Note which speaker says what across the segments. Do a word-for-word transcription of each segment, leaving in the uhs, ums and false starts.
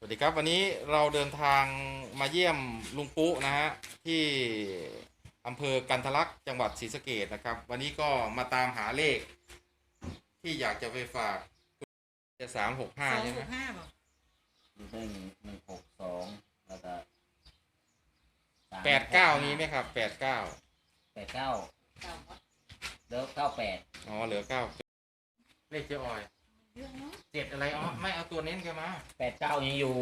Speaker 1: วัสดีครับวันนี้เราเดินทางมาเยี่ยมลุงปุ๊นะฮะที่อำเภอกันทะลักจังหวัดศรีสะเกษนะครับวันนี้ก็มาตามหาเลขที่อยากจะไปฝากจะสามหกห้า
Speaker 2: สอง
Speaker 1: ใช่ไหม
Speaker 2: หกห้าบอก
Speaker 3: มีได้หนึ่งหนึ่งหกสองแล้วก็
Speaker 1: แปดเก้ามีไหมครับแปดเก้า
Speaker 3: แปดเก้า
Speaker 2: เก้าวัด
Speaker 3: แล้วเก้าแปด
Speaker 1: อ๋อเหลือเก้าเลขเจ๊ออย
Speaker 2: เยอะเนาะ
Speaker 1: เจ็ดอะไรอ๋อไม่เอาตัวเน้นแกมา
Speaker 3: แปดเก้ายังอยู่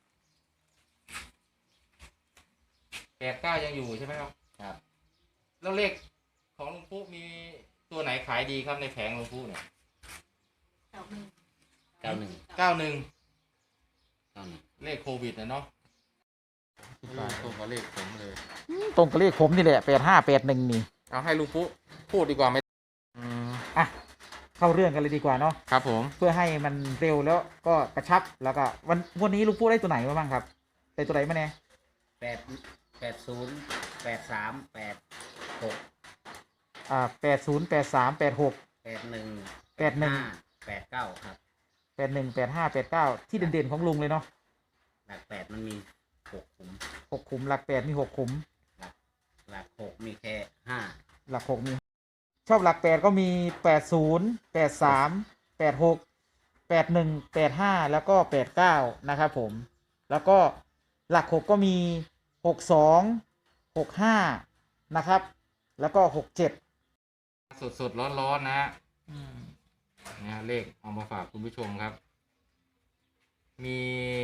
Speaker 1: แปดเก้ายังอยู่ใช่ไหมครับ
Speaker 3: ครับ
Speaker 1: แล้วเลขของลุงปุ๊มีตัวไหนขายดีครับในแผงลุงปุ๊เนี่ย
Speaker 2: เก้าหนึ่ง
Speaker 3: เก้าหนึ่ง
Speaker 1: เก้าหนึ่ง
Speaker 3: เก้าหนึ่ง
Speaker 1: เลขโควิดนะเนาะตรงกับเลขผมเลย
Speaker 4: ตรงกับเลขผมนี่แหละแปดห้าแปดหนึ่งนี่
Speaker 1: เอาให้ลุงปุ๊พูดดีกว่าไหม
Speaker 4: อืมอ่ะเข้าเรื่องกันเลยดีกว่าเนาะ
Speaker 1: ครับผม
Speaker 4: เพื่อให้มันเร็วแล้วก็กระชับแล้วก็วันวันนี้ลุงปุ๊ได้ตัวไหนมาบ้างครับได้ตัวไหนมาเนี่ย
Speaker 3: แปดแปดศูนย์แปดสามแปดหก
Speaker 4: อ่าแปดศูนย์แปดสามแปดหก
Speaker 3: แปดหนึ่ง
Speaker 4: แปดหนึ่ง
Speaker 3: แปดเก้าครับ
Speaker 4: แปดหนึ่งแปดห้าแปดเก้าที่เด่นๆของลุงเลยเนาะ
Speaker 3: หลักแปดมันมีหกขุม
Speaker 4: หกขุมหลักแปดมีหกขุม
Speaker 3: หลักหลักหกมีแค่ห้า
Speaker 4: หลักหกมีชอบหลักแปดก็มีแปดศูนย์แปดสามแปดหกแปดหนึ่งแปดห้าแล้วก็แปดเก้านะครับผมแล้วก็หลักหกก็มีหกสองหกห้านะครับแล้วก็หกเจ็ด
Speaker 1: สดสดร้อนร้อนนะฮะนะเลขเอามาฝากคุณผู้ชมครับมี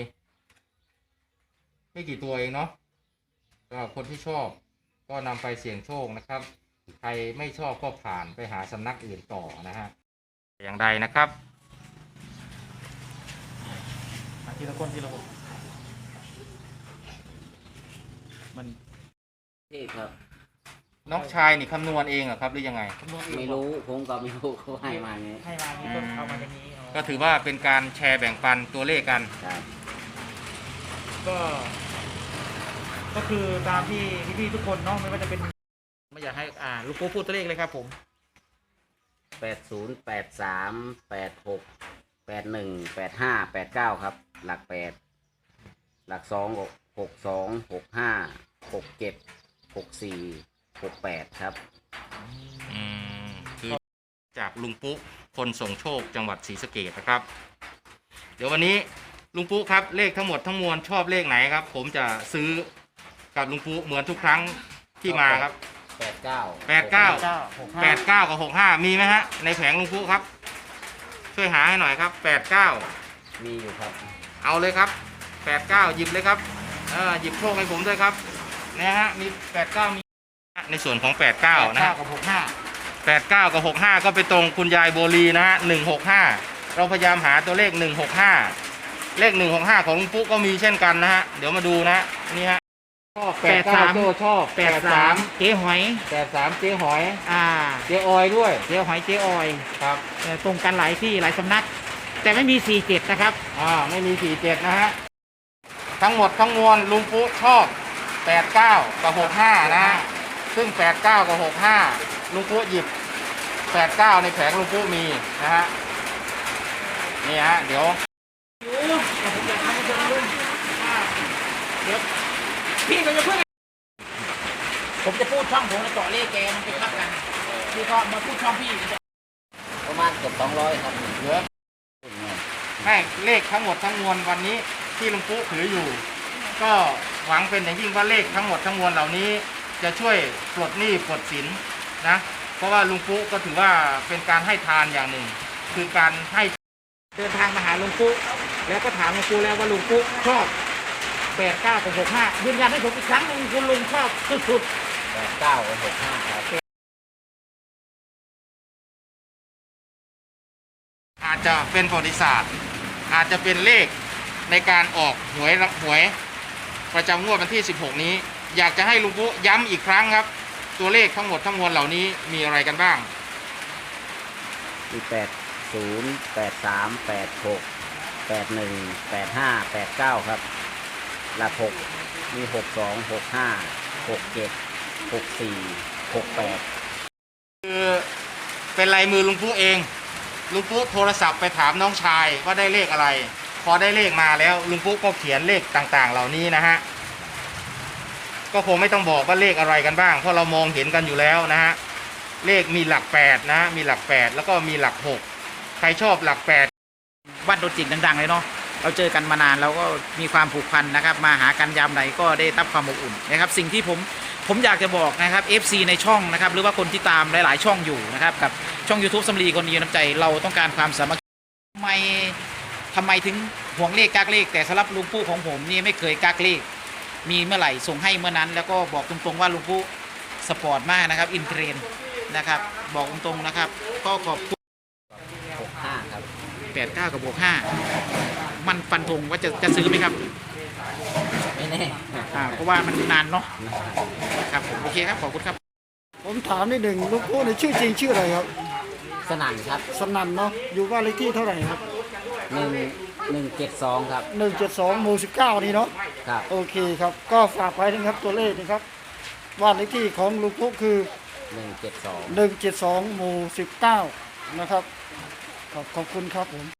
Speaker 1: ไม่กี่ตัวเองเนาะก็คนที่ชอบก็นำไปเสี่ยงโชคนะครับใครไม่ชอบก็ผ่านไปหาสำนักอื่นต่อนะฮะอย่างใดนะครับ
Speaker 4: ทีละคนทีละคนมัน
Speaker 3: ที่ครับ
Speaker 1: น้องชายนี่คำนวณเองเหรอครับหรือยังไง
Speaker 3: ไม่รู้ผมก็ไม่รู้เขาให้มาไง
Speaker 4: ให้มาเนี่ยก็เอามาอย่างนี้
Speaker 1: ก็ถือว่าเป็นการแชร์แบ่งปันตัวเลขกัน
Speaker 3: ครับ
Speaker 4: ก็ก็คือตามที่พี่ๆทุกคนเนาะไม่ว่าจะเป็นไม่อยากให้อ่าลูกโก้พูดตัวเลขเลยครับผม
Speaker 3: แปดศูนย์แปดสามแปดหกแปดหนึ่งแปดห้าแปดเก้าครับหลักแปดหลักสองหกสองหกห้าหกเจ็ดหกสี่หกแปดครับ
Speaker 1: อืมคือจากลุงปุ๊คนส่งโชคจังหวัดศรีสะเกษนะครับเดี๋ยววันนี้ลุงปุ๊ครับเลขทั้งหมดทั้งมวลชอบเลขไหนครับผมจะซื้อกับลุงปุ๊เหมือนทุกครั้งที่มาครับ
Speaker 3: แปดเก้า
Speaker 1: แปดเก้าแปดเก้ากับหกห้ามีไหมฮะในแผงลุงปุ๊ครับช่วยหาให้หน่อยครับแปดเก้า
Speaker 3: มีอยู่ครับ
Speaker 1: เอาเลยครับแปดเก้าหยิบเลยครับเออหยิบโชคให้ผมด้วยครับนะฮะมีแปดเก้ามีในส่วนของแปดเก้านะฮะ
Speaker 4: กับหกห้า
Speaker 1: แปดเก้ากับหกห้าก็ไปตรงคุณยายโบลีนะฮะหนึ่งหกห้าเราพยายามหาตัวเลขหนึ่งหกห้าเลขหนึ่งหกห้าของลุงปุ๊ก็มีเช่นกันนะฮะเดี๋ยวมาดูนะนี่ฮะ
Speaker 4: แปดสาม
Speaker 1: ชอบ
Speaker 4: แปดสามเจ๊หอย
Speaker 1: แปดสามเจ๊หอย
Speaker 4: อ่า
Speaker 1: เจ๊ออยด้วย
Speaker 4: เจ๊หอยเจ๊ออย
Speaker 1: ครับ
Speaker 4: ตรงกันหลายที่หลายสำนักแต่ไม่มีสี่เจ็ดนะครับ
Speaker 1: อ่าไม่มีสี่เจ็ดนะฮะทั้งหมดทั้งมวลลุงปุ๊ชอบแปดเก้ากับหกห้านะฮะซึ่งแปดเก้ากับหกห้าลุงปุ๊หยิบแปดเก้าในแผงลุงปุ๊มีนะฮะนี่ฮะเดี๋ยว
Speaker 4: พี่ก็จะพูดผมจะพูดช่องผมจะเจาะเลขแกมันไปทับกันพี่ก็มาพูดช่องพี่
Speaker 3: ประมาณเกือบสองร้อยครับ
Speaker 1: เหลือให้เลขทั้งหมดทั้งมวลวันนี้ที่ลุงปุ๊ถืออยู่ก็หวังเป็นอย่างยิ่งว่าเลขทั้งหมดทั้งมวลเหล่านี้จะช่วยปลดหนี้ปลดสินนะเพราะว่าลุงปุ๊ก็ถือว่าเป็นการให้ทานอย่างหนึ่งคือการให้
Speaker 4: เดินทางมาหาลุงปุ๊แล้วก็ถามลุงปุ๊แล้วว่าลุงปุ๊ชอบแปดเก้ากับหกห้ายืนยันให้ผมอีกครั้งหนึ่งคุณลุงชอบสุด
Speaker 3: ๆแปดเก้ากับหกห้าครับ
Speaker 1: อาจจะเป็นประวัติศาสตร์อาจจะเป็นเลขในการออกหวยหวยประจำงวดวันที่สิบหกนี้อยากจะให้ลุงปุ๊ย้ำอีกครั้งครับตัวเลขทั้งหมดทั้งมวลเหล่านี้มีอะไรกันบ้าง
Speaker 3: มีแปดศูนย์แปดสามแปดหกแปดหนึ่งแปดห้าแปดเก้าครับหลักหกมีหกสองหกห้าหกเจ็ดหกสี่หกแปด
Speaker 1: คือเป็นลายมือลุงปุ๊เองลุงปุ๊โทรศัพท์ไปถามน้องชายว่าได้เลขอะไรพอได้เลขมาแล้วลุงปุ๊ก็เขียนเลขต่างๆ เหล่านี้นะฮะก็คงไม่ต้องบอกว่าเลขอะไรกันบ้างเพราะเรามองเห็นกันอยู่แล้วนะฮะเลขมีหลักแปดนะฮะมีหลักแปดแล้วก็มีหลักหกใครชอบหลักแปด
Speaker 4: วัดโดนจิกดังๆเลยเนาะเราเจอกันมานานเราก็มีความผูกพันนะครับมาหากันยามไหนก็ได้รับความอบอุ่นนะครับสิ่งที่ผมผมอยากจะบอกนะครับ เอฟ ซี ในช่องนะครับหรือว่าคนที่ตามหลายๆช่องอยู่นะครับกับช่อง YouTube สำลีคนดีน้ำใจเราต้องการความสามัคคีทำไมทำไมถึงห่วงเลขกักเลขแต่สำหรับลุงปู่ของผมนี่ไม่เคยกักเลขมีเมื่อไหร่ส่งให้เมื่อนั้นแล้วก็บอกตรงๆว่าลุงปู่สปอร์ตมากนะครับอินเทรนนะครับบอกตรงๆนะครับก็ขอบคุณ
Speaker 3: หกห้าครับ
Speaker 4: แปดเก้ากับบวกห้ามันฟันธงว่าจะจะซื้อไหมครับ
Speaker 3: ไม่แน่
Speaker 4: อ่าเพราะว่ามันนานเนาะครับผมโอเคครับขอบคุณครับ
Speaker 5: ผมถามนิดหนึ่งลูกผู้ในชื่อจริงชื่ออะไรครับ
Speaker 3: สนั่นครับ
Speaker 5: สนั่นเนาะอยู่บ้านเลขที่เท่าไหร่ครับ
Speaker 3: หนึ่งหนึ่งเจ็ดสองครับ
Speaker 5: หนึ่งเจ็ดสองหมู่สิบเก้านี่เนาะ
Speaker 3: ครับ
Speaker 5: โอเคครับก็ฝากไว้นะครับตัวเลขนะครับบ้านเลขที่ของลูกผู้คือ
Speaker 3: หนึ่งเจ็ดสอง
Speaker 5: หนึ่งเจ็ดสองหมู่สิบเก้านะครับขอบขอบคุณครับผม